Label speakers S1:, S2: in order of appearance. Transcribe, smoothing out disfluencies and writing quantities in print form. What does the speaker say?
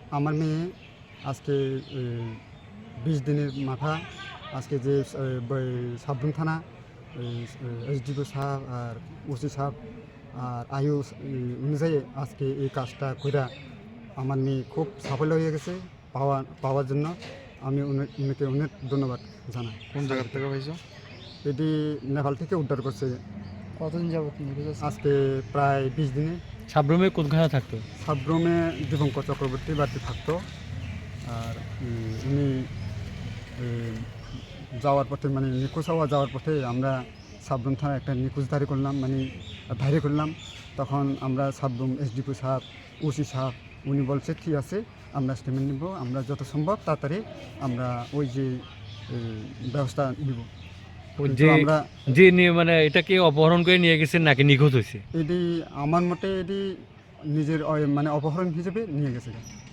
S1: আমার মেয়ে আজকে 20 দিনের মাথা আজকে যে সাবরুম থানা এসডিপি সাহেব আর ওসি সাহেব আর আয়ু অনুযায়ী আজকে এই কাজটা কইরা আমার মেয়ে খুব সাফল্য হয়ে গেছে পাওয়ার জন্য আমি উনাকে অনেক ধন্যবাদ জানাই।
S2: কোন জায়গা থেকে পাইছো?
S1: এটি নেপাল থেকে উদ্ধার করছে।
S3: কতদিন যাবত
S1: আজকে প্রায় 20 দিনে।
S4: সাবরুমে কোনখানে থাকতো?
S1: সাবরুমে দীপঙ্কর চক্রবর্তী বাড়িতে থাকতো। আর উনি যাওয়ার পথে মানে নিখোঁজ হওয়া যাওয়ার পথে আমরা সাবরুম থানায় একটা নিখোঁজদারি করলাম, মানে ডায়েরি করলাম। তখন আমরা সাবরুম এসডিপি সাহেব ওসি সাহেব উনি বলছে ঠিক আছে আমরা স্টেটমেন্ট নিব, আমরা যত সম্ভব তাড়াতাড়ি আমরা ওই যে ব্যবস্থা নিব। আমরা
S4: যে মানে এটাকে অপহরণ করে নিয়ে গেছেন নাকি নিখোঁজ হয়েছে?
S1: এটি আমার মতে এটি নিজের মানে অপহরণ হিসেবে নিয়ে গেছে।